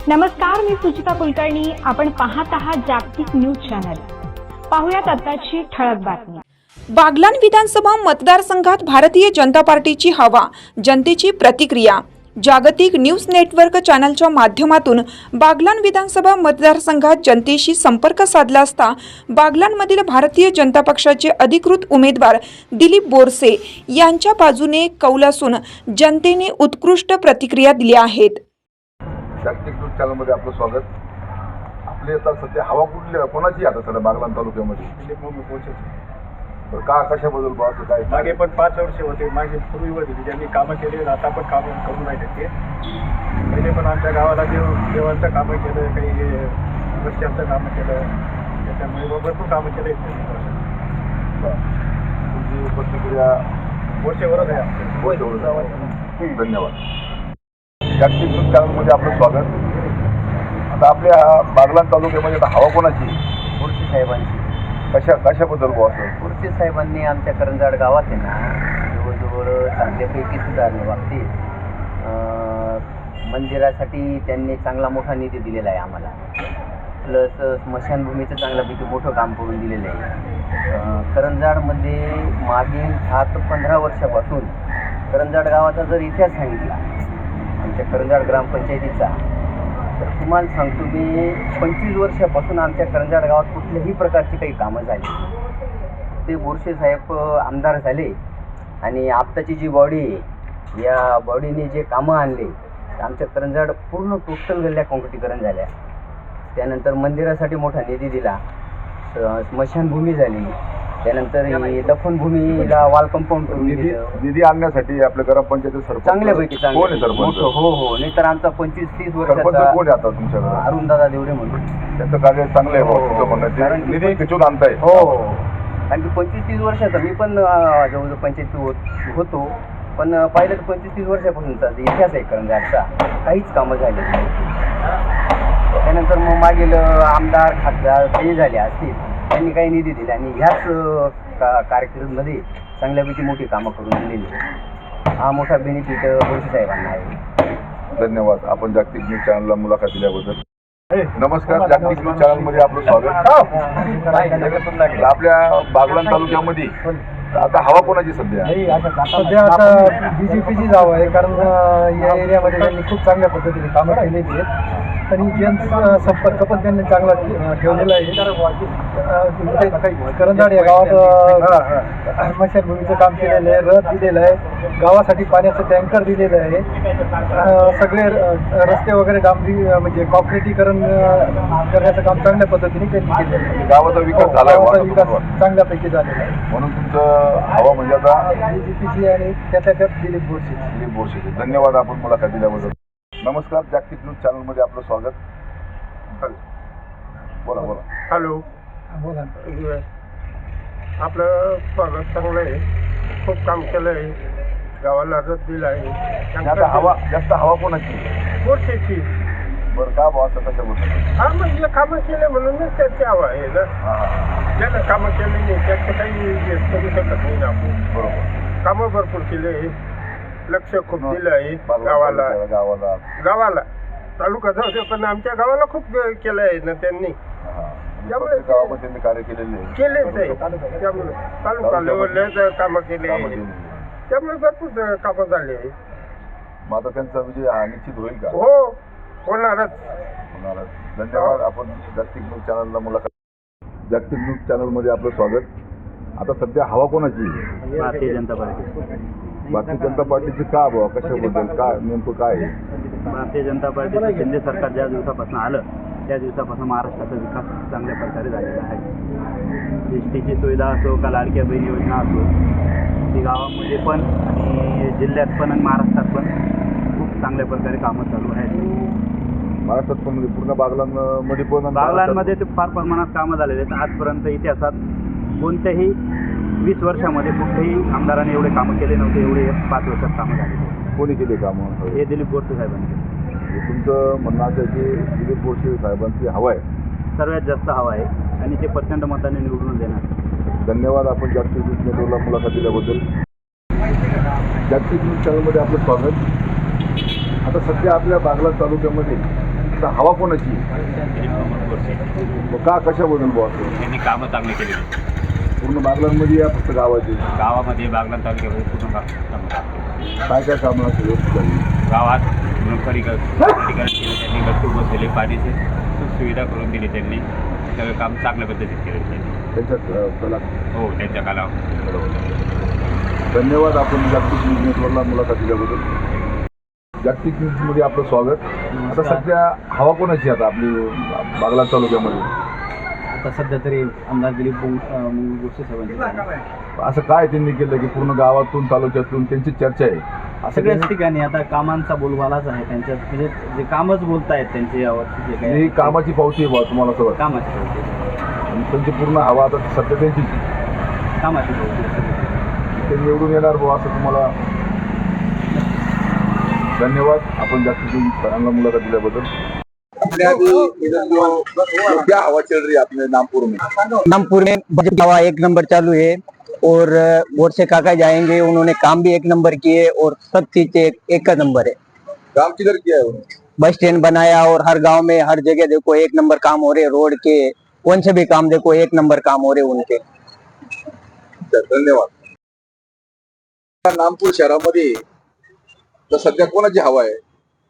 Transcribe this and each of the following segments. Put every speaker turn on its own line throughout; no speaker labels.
नमस्कार, मी सुचिता कुलकर्णी. आपण पाहत आहात जागतिक न्यूज चॅनल. पाहुयात आताची ठळक बातमी.
बागलाण विधानसभा मतदारसंघात भारतीय जनता पार्टीची हवा, जनतेची प्रतिक्रिया. जागतिक न्यूज नेटवर्क चॅनलच्या माध्यमातून बागलाण विधानसभा मतदारसंघात जनतेशी संपर्क साधला असता बागलाणमधील भारतीय जनता पक्षाचे अधिकृत उमेदवार दिलीप बोरसे यांच्या बाजूने कौल असून जनतेने उत्कृष्ट प्रतिक्रिया दिल्या आहेत.
जागतिक न्यूज चॅनलमध्ये आपलं स्वागत. आपली आता सध्या हवा कुठली कोणाची आता सध्या बागलाण तालुक्यामध्ये?
दिलीप बोरसे.
तर का कशाबद्दल असं काय?
मागे पण 5 वर्ष होते, मागे पूर्वी होती त्यांनी कामं केली, आता पण कामं करून राहिले ते. पहिले पण आमच्या गावाला देवांचं कामं केलं, काही रस्त्यांचं कामं केलं, त्याच्यामुळे भरपूर कामं केलं.
तुमची प्रतिक्रिया
वर्षभरच आहे आमच्या.
धन्यवाद. जागतिक न्यूज चॅनलमध्ये आपलं स्वागत. आता आपल्या बागलाण तालुक्यामध्ये आता हवा कोणाची?
बोरसे साहेबांची.
कशाबद्दल बुवा असं?
बोरसे साहेबांनी आमच्या करंजाड गावात आहे ना जवळजवळ चांगल्यापैकी सुधारणे बाबतीत मंदिरासाठी त्यांनी चांगला मोठा निधी दिलेला आहे आम्हाला. प्लस स्मशानभूमीचं चांगल्यापैकी मोठं काम करून दिलेलं आहे. करंजाडमध्ये मागील 10 ते 15 वर्षापासून करंजाड गावाचा जर इतिहास सांगितला आमच्या करंजाड ग्रामपंचायतीचा, तर तुम्हाला सांगतो मी 25 वर्षापासून आमच्या करंजाड गावात कुठल्याही प्रकारची काही कामं झाली. ते बोरसे साहेब आमदार झाले आणि आत्ताची जी बॉडी आहे या बॉडीने जे कामं आणले, आमच्या करंजाड पूर्ण टोटल गल्ल्या काँक्रिटीकरण झाल्या. त्यानंतर मंदिरासाठी मोठा निधी दिला, स्मशानभूमी झाली, त्यानंतर दफनभूमीला वॉल कंपाऊंड करून
निधी आणण्यासाठी आपल्या ग्रामपंचायत सरपंच
चांगल्यापैकी
कोण आहे सरपंच?
हो. नाही तर आमचा 25-30
सरपंच
वर्षाचा
कोण आहे आता तुमच्याकडे?
अरुणदादा देवरे म्हणून.
त्यांचं कार्य चांगलं आहे
हो.
तुमचं म्हणणं.
कारण
निधी खिचून आणताय.
हो. कारण की 25-30 वर्षाचा मी पण जवळजवळ पंचायत होतो, पण पाहिलं तर 25-30 वर्षापासूनचा इतिहास आहे करंजाडचा, काहीच कामं झाली नाही. त्यानंतर मग मागील आमदार खासदार ते झाले असतील, त्यांनी काही निधी दिला आणि ह्याच कार्यक्रमामध्ये चांगल्यापैकी मोठी कामं करून दिलेली. हा मोठा बेनिफिट बोरसे साहेबांना आहे.
धन्यवाद. आपण जागतिक न्यूज चॅनलला मुलाखत दिल्याबद्दल. नमस्कार. जागतिक न्यूज चॅनलमध्ये आपलं स्वागत. आपल्या बागलाण तालुक्यामध्ये आता हवा कोणाची सध्या?
सध्या आता BJPची जावं आहे, कारण या एरियामध्ये त्यांनी खूप चांगल्या पद्धतीने कामं केलेली आहेत आणि जनसंपर्क पण त्यांनी चांगला ठेवलेला आहे. करंजाड या गावात स्मशानभूमीचं काम केलेलं आहे, रथ दिलेलं आहे, गावासाठी पाण्याचं टँकर दिलेलं आहे, सगळे रस्ते वगैरे डांबरी म्हणजे कॉन्क्रिटीकरण करण्याचं काम चांगल्या पद्धतीने त्यांनी केलेलं आहे.
गावाचा विकास झाला,
विकास चांगल्यापैकी झालेला आहे.
म्हणून तुमचं हवा म्हणजे आता
BJPची आणि त्यात दिलीप
बोरसे. धन्यवाद आपण मुलाखत दिल्याबद्दल. नमस्कार. जागतिक न्यूज चॅनलमध्ये आपलं स्वागत. बोला.
हॅलो.
बोला.
आपलं स्वागत चांगलं आहे, खूप काम केलं आहे, गावाला रथ दिला आहे.
आता हवा जास्त हवा कोणाची?
बोरसेची.
बरं का बुवा असं कशाबद्दल?
हा म्हणजे कामं केले म्हणूनच त्याची हवा आहे ना. ज्यानं कामं केले नाही त्याचं काही करू शकत नाही ना आपण.
बरोबर.
कामं भरपूर केले आहे, लक्ष खूप दिलं आहे गावाला. तालुका जाऊ दे, पण आमच्या गावाला खूप केलं आहे ना त्यांनी. त्यामुळे
गावामध्ये त्यांनी कार्य
केलेच आहे. त्यामुळे तालुका लेवलला कामं केले, त्यामुळे भरपूर कामं झाले आहे.
मग आता त्यांचा विजय निश्चित होईल का?
हो, होणारच.
धन्यवाद. आपण जागतिक न्यूज चॅनलला मुलाखत. जागतिक न्यूज चॅनलमध्ये आपलं स्वागत. आता सध्या हवा कोणाची?
भारतीय जनता पार्टी.
भारतीय जनता पार्टीची का बुवा? कशाबद्दल? काय नेमकं काय आहे?
भारतीय जनता पार्टीचं शिंदे सरकार ज्या दिवसापासून आलं त्या दिवसापासून महाराष्ट्राचा विकास चांगल्या प्रकारे झालेला आहे. एस टीची सुविधा असो का लाडक्या बहीण योजना असो, ती गावामध्ये पण आणि जिल्ह्यात पण आणि महाराष्ट्रात पण खूप चांगल्या प्रकारे कामं चालू आहेत.
महाराष्ट्रात पण म्हणजे पूर्ण बागलाणमध्ये पण?
बागलाणमध्ये ते फार प्रमाणात कामं झालेले आहेत. आजपर्यंत इतिहासात कोणत्याही 20 वर्षामध्ये कुठल्याही आमदाराने एवढे कामं केले नव्हते, एवढे 5 वर्षात कामं झाले.
कोणी केले कामं?
हे दिलीप बोरसे साहेबांनी.
तुमचं म्हणणं असं आहे की दिलीप बोरसे साहेबांची हवा आहे?
सर्वात जास्त हवा आहे आणि ते प्रचंड मताने निवडून देणार.
धन्यवाद. आपण जागतिक न्यूज नेटवर्कला मुलाखत दिल्याबद्दल. जागतिक न्यूज चॅनलमध्ये आपलं स्वागत. आता सध्या आपल्या बागलाण तालुक्यामध्ये आता हवा कोणाची मग का कशाबद्दल बुवा असं?
त्यांनी कामं चांगली केलेली
पूर्ण बागलांमध्ये या फक्त गावाची
गावामध्ये बागलाण तालुक्यामध्ये पूर्ण कामं केली.
काय काय कामं असं व्यवस्थित झाली?
गावात खडीकरण केलं त्यांनी, गट्टू बसवले, पाण्याची सुविधा करून दिली त्यांनी. सगळं काम चांगल्या पद्धतीत केलं त्यांनी.
त्यांच्यात कला
हो, त्यांच्या कालावर.
धन्यवाद. आपण जागतिक न्यूज नेटवर्कला मुलाखत दिल्याबद्दल. जागतिक न्यूजमध्ये आपलं स्वागत. आता सध्या हवा कोणाची आता आपली बागलाण तालुक्यामध्ये?
आता सध्या तरी आमदार दिलीप गोष्टी साहेबांची
असं काय त्यांनी केलं की पूर्ण गावातून तालुक्यातून त्यांची चर्चा आहे असं
सगळ्याच
त्यांनी-
ठिकाणी आता कामांचा बोलबालाच आहे त्यांच्यात, म्हणजे जे कामच बोलतायत त्यांचे यावरती जे
ही
काही
कामाची पावती आहे बुवा तुम्हाला सगळं.
कामाची बोलते,
आणि त्यांची पूर्ण हवा आता सध्या त्यांची
कामाची बोलते.
ते निवडून येणार बुवा असं तुम्हाला. धन्यवाद. आपण जास्तीत सरांना मुलाखत दिल्याबद्दल. क्या हवा चल रही है अपने नामपुर में?
नामपुर में बजट हवा एक नंबर चालू है और वोट से काका जाएंगे, उन्होंने काम भी एक नंबर किए और सब चीज एक नंबर है।
काम किधर किया है उन्होंने?
बस स्टैंड बनाया और हर गांव में हर जगह देखो एक नंबर काम हो रहे, रोड के कौन से भी काम देखो एक नंबर काम हो रहे उनके।
धन्यवाद. नामपूर शहरामध्ये तर सध्या कोणाची हवा आहे?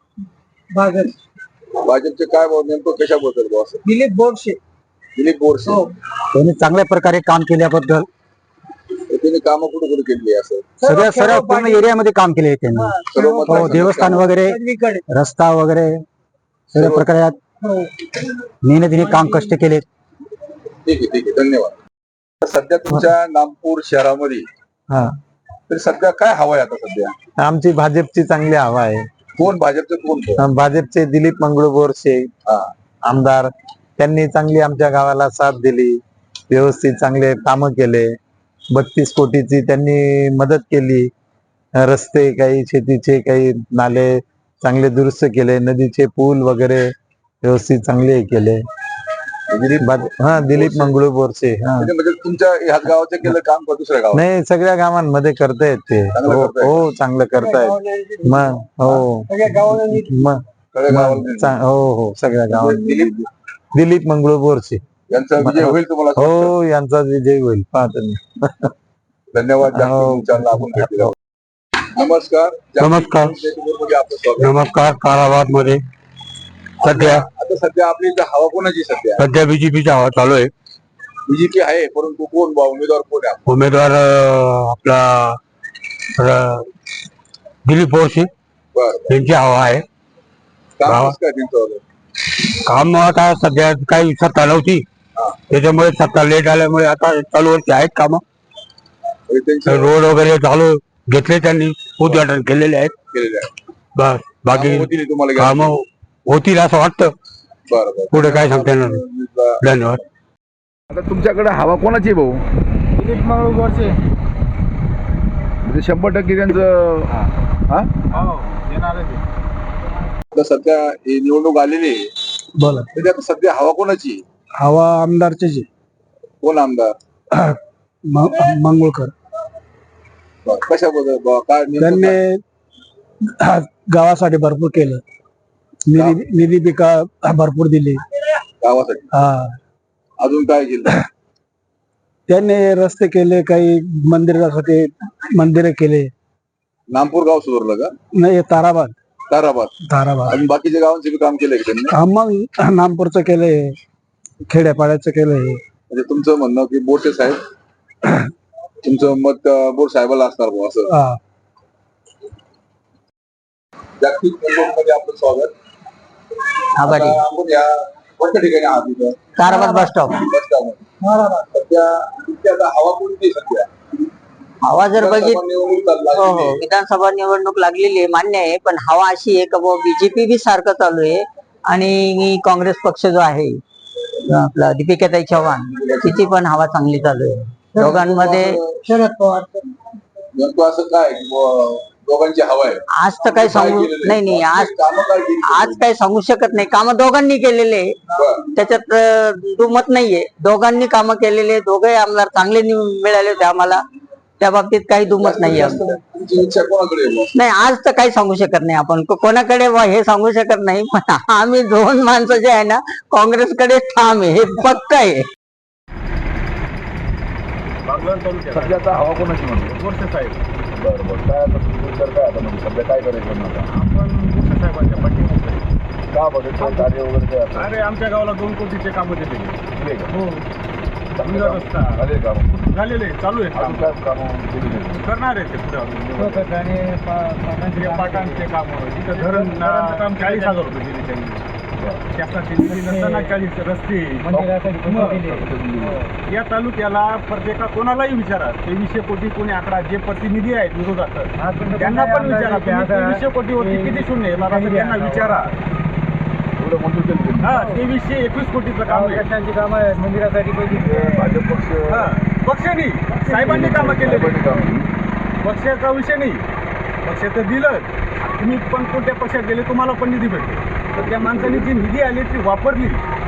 भाजपचे काय नेमकं कशाबद्दल बुवा असं?
दिलीप बोरसे.
दिलीप बोरसे.
त्यांनी चांगल्या प्रकारे काम केल्याबद्दल
त्यांनी कामं कुठे कुठे केली असं?
सगळ्या सर्व पूर्ण एरियामध्ये काम केले त्यांनी.
सर्व
हो,
मतदारसंघात
देवस्थान
कामं.
वगैरे रस्ता वगैरे सर्व प्रकारे मेहनतीने काम कष्ट केले.
ठीक आहे. धन्यवाद. सध्या तुमच्या नामपूर शहरामध्ये
हा,
तर सध्या काय हवा आहे आता सध्या?
आमची भाजपची चांगली हवा आहे.
कोण भाजपचं कोण?
भाजपचे दिलीप मंगळू बोरसे
हा.
आमदार, त्यांनी चांगली आमच्या गावाला साथ दिली, व्यवस्थित चांगले कामं केले. 32 कोटीची त्यांनी मदत केली. रस्ते काही, शेतीचे काही नाले चांगले दुरुस्त केले, नदीचे पूल वगैरे व्यवस्थित चांगले केले. दिलीप मंगळू बोरसे.
म्हणजे तुमच्या ह्याच गावाचं केलं काम का दुसऱ्या गावात?
नाही, सगळ्या गावांमध्ये करतायत ते.
चांगलं
हो
करतायत.
हो, चांगलं करतायत. मग हो, मग
सगळ्या गावाला
हो सगळ्या गावांमध्ये दिलीप मंगळू बोरसे
यांचा विजय होईल तुम्हाला असं वाटतं?
हो, यांचा विजय होईल पाहतो मी.
धन्यवाद. जागतिक
हो.
न्यूज चॅनलला आपण भेट दिली. नमस्कार. जागतिक
नमस्कार.
न्यूज नेटवर्कमध्ये आपलं स्वागत.
नमस्कार. ताराबाद मध्ये
आता सध्या आपली इथं हवा कोणाची सध्या?
बीजेपीचा हवा चालू आहे.
बीजेपी आहे, परंतु कोण बा उमेदवार कोण आहे?
उमेदवार आपला दिलीप बोरसे
बरं.
यांची हवा आहे.
काम कसं काय त्यांचं?
काम आता सध्या काही सत्ता नव्हती, त्याच्यामुळे सत्ता लेट आल्यामुळे आता चालू वर्षी आहेत काम.
म्हणजे त्यांचं
रोड वगैरे चालू घेतले, त्यांनी उद्घाटन केलेले आहेत.
केलेलं आहे.
बस बाकी
कामं होतील तुम्हाला
काम होतील असं वाटतं.
बरं.
पुढे काय सांगता येणार नाही. धन्यवाद.
आता तुमच्याकडे हवा कोणाची आहे भाऊ?
दिलीप मंगळू गोरसे.
म्हणजे 100% त्यांचं. हा? आता सध्या ही निवडणूक आलेली आहे,
बोला.
म्हणजे आता सध्या हवा कोणाची?
हवा आमदारचे
कोण आमदार?
मंगळकर.
कशाबद्दल काय नेमकं काय?
त्यांनी गावासाठी भरपूर केलं, निधी पिका भरपूर दिली.
गावासाठी अजून काय केलं?
त्यांनी रस्ते केले, काही मंदिरासाठी मंदिरे केले.
नामपूर गाव सुधारलं का?
नाही, ताराबाद.
ताराबाद आणि बाकीच्या गावांचे बी काम केलंय का त्यांनी?
हा, मग नामपूरचं केलंय, खेड्यापाड्याचं केलंय.
म्हणजे तुमचं म्हणणं की बोरसे साहेब, तुमचं मत बोर साहेबाला असणार बुवा असं.
हा.
जागतिक मध्ये आपलं स्वागत.
आभारी.
आता आपण या कोणत्या ठिकाणी आहात तिथं?
Tarabad bus stop.
बस स्टॉपमध्ये. सध्या तुमची आता हवा कोणती सध्या?
हवा जर
विधानसभा निवडणूक चालू
हो
लागलेली
हो,
आहे.
विधानसभा निवडणूक लागलेली आहे, मान्य आहे. पण हवा अशी आहे का बीजेपी बी सारखं चालू आहे आणि काँग्रेस पक्ष जो आहे आपला दीपिकाताई चव्हाण, तिची पण हवा चांगली चालू आहे. दोघांमध्ये शरद पवार.
नेमकं असं काय की बुवा दोघांची हवा आहे?
आज तर काही सांगू नाही आज
कामं काय केली?
आज काही सांगू शकत नाही. कामं दोघांनी केलेले,
बरं.
त्याच्यात दुमत नाहीये. दोघांनी कामं केलेले, दोघे आमदार चांगले मिळाले होते आम्हाला. त्या बाबतीत काही दुमत नाही आमचं.
तुमची इच्छा कोणाकडे आहे बुवा?
नाही आज तर काही सांगू शकत नाही आपण कोणाकडे हे सांगू शकत नाही, पण आम्ही दोन माणसं जे आहे ना काँग्रेसकडे ठाम आहे, हे पक्क आहे.
बागलाण तालुक्यात
सध्या आता हवा कोणाची म्हणतो?
बोरसे साहेब.
बरं बरं. काय आता तुमचा विचार काय आता म्हणजे सध्या काय करायचं आता?
आपण बोरसे साहेबांच्या पाठीमागे.
का बघायचं कार्य वगैरे काय आता?
अरे आमच्या गावाला 2 कोटीचे कामं दिलेले.
दिले का?
हो.
चांगले
समजा
काम
रस्ता.
झाले काम
झालेले चालू आहे
अजून
काम.
काय कामं केली नाही?
करणार आहे ते पुढे पाटांचे काम तिथं धरण 40,000 रुपये दिले त्यांनी. शासनाची निधी नसताना 40 रस्ते. या तालुक्याला प्रत्येका कोणालाही विचारा 2300 कोटी कोणी आकडा जे प्रतिनिधी आहेत विरोधात त्यांना पण विचारा 2300 कोटीवरती किती शून्य येणार असं त्यांना विचारा.
एवढं मंजूर केलं त्यांनी.
2321 कोटीचं काम आहे.
काम आहे मंदिरासाठी
भाजप पक्ष
पक्ष नाही साहेबांनी कामं केले.
साहेबांनी काम केली.
पक्षाचा विषय नाही, पक्षाचं दिलं तुम्ही पण कोणत्या पक्षात गेले तुम्हाला पण निधी भेटतो. तर त्या माणसाने जी निधी आली ती वापरली.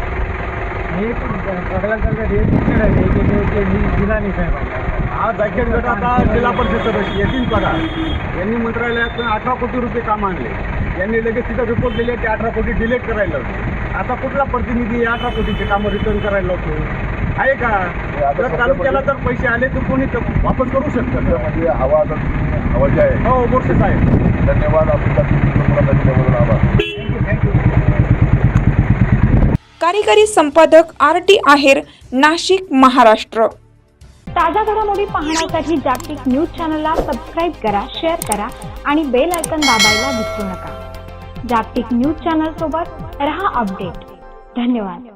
दिला नाही साहेब.
आज जायखेड गट आता जिल्हा परिषद सदस्य येतील पगार यांनी मंत्रालयातून 18 कोटी रुपये काम आणले. यांनी लगेच तिथं रिपोर्ट दिले ते 18 कोटी डिलीट करायला लावतो. आता कुठला प्रतिनिधी 18 कोटीचे कामं रिटर्न करायला लावतो आहे का? जर तालुक्याला जर पैसे आले तर कोणी वापस करू शकतं.
म्हणजे हवा आता हवा जी आहे.
हो बोरसे साहेब.
धन्यवाद. आपल्या मुलाखत दिल्याबद्दल आभार.
कार्यकारी संपादक RT आहेर, नाशिक, महाराष्ट्र.
ताज्या घडामोडी पाहण्यासाठी जागतिक न्यूज चॅनलला सबस्क्राईब करा, शेअर करा आणि बेल आयकॉन दाबायला विसरू नका. जागतिक न्यूज चॅनल सोबत रहा अपडेट. धन्यवाद.